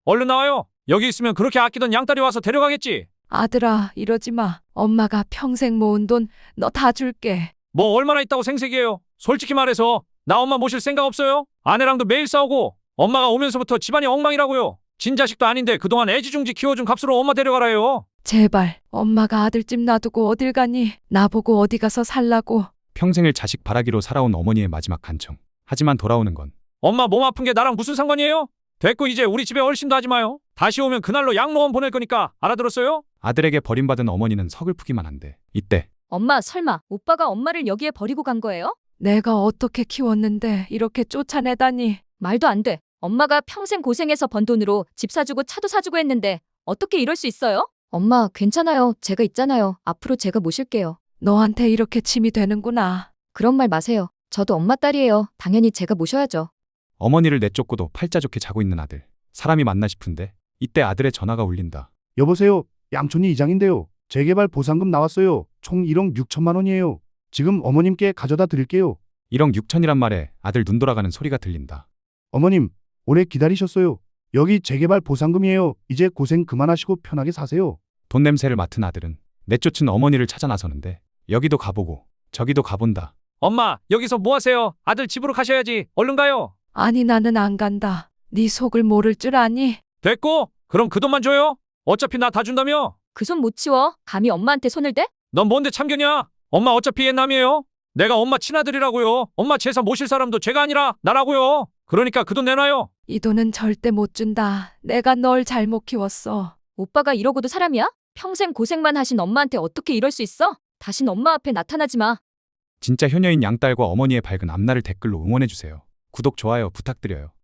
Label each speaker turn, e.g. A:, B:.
A: 얼른 나와요. 여기 있으면 그렇게 아끼던 양딸이 와서 데려가겠지.
B: 아들아, 이러지 마. 엄마가 평생 모은 돈 너 다 줄게.
A: 뭐 얼마나 있다고 생색이에요. 솔직히 말해서 나 엄마 모실 생각 없어요? 아내랑도 매일 싸우고 엄마가 오면서부터 집안이 엉망이라고요. 진자식도 아닌데 그동안 애지중지 키워준 값으로 엄마 데려가라요.
B: 제발, 엄마가 아들집 놔두고 어딜 가니? 나보고 어디 가서 살라고.
C: 평생을 자식 바라기로 살아온 어머니의 마지막 간청. 하지만 돌아오는 건
A: 엄마 몸 아픈 게 나랑 무슨 상관이에요? 됐고 이제 우리 집에 얼씬도 하지 마요. 다시 오면 그날로 양로원 보낼 거니까 알아들었어요?
C: 아들에게 버림받은 어머니는 서글프기만 한데 이때
D: 엄마, 설마 오빠가 엄마를 여기에 버리고 간 거예요?
B: 내가 어떻게 키웠는데 이렇게 쫓아내다니.
D: 말도 안 돼. 엄마가 평생 고생해서 번 돈으로 집 사주고 차도 사주고 했는데 어떻게 이럴 수 있어요? 엄마, 괜찮아요. 제가 있잖아요. 앞으로 제가 모실게요.
B: 너한테 이렇게 짐이 되는구나.
D: 그런 말 마세요. 저도 엄마 딸이에요. 당연히 제가 모셔야죠.
C: 어머니를 내쫓고도 팔자 좋게 자고 있는 아들. 사람이 맞나 싶은데 이때 아들의 전화가 울린다.
E: 여보세요. 양촌이 이장인데요. 재개발 보상금 나왔어요. 총 1억 6천만 원이에요. 지금 어머님께 가져다 드릴게요.
C: 1억 6천이란 말에 아들 눈 돌아가는 소리가 들린다.
E: 어머님, 오래 기다리셨어요. 여기 재개발 보상금이에요. 이제 고생 그만하시고 편하게 사세요.
C: 돈 냄새를 맡은 아들은 내쫓은 어머니를 찾아 나서는데 여기도 가보고 저기도 가본다.
A: 엄마 여기서 뭐 하세요? 아들 집으로 가셔야지. 얼른 가요.
B: 아니, 나는 안 간다. 네 속을 모를 줄 아니?
A: 됐고 그럼 그 돈만 줘요. 어차피 나 다 준다며.
D: 그 손 못 치워. 감히 엄마한테 손을 대?
A: 넌 뭔데 참견이야? 엄마 어차피 옛남이에요. 내가 엄마 친아들이라고요. 엄마 제사 모실 사람도 제가 아니라 나라고요. 그러니까 그 돈 내놔요.
B: 이 돈은 절대 못 준다. 내가 널 잘못 키웠어.
D: 오빠가 이러고도 사람이야? 평생 고생만 하신 엄마한테 어떻게 이럴 수 있어? 다신 엄마 앞에 나타나지 마.
C: 진짜 효녀인 양딸과 어머니의 밝은 앞날을 댓글로 응원해주세요. 구독, 좋아요 부탁드려요.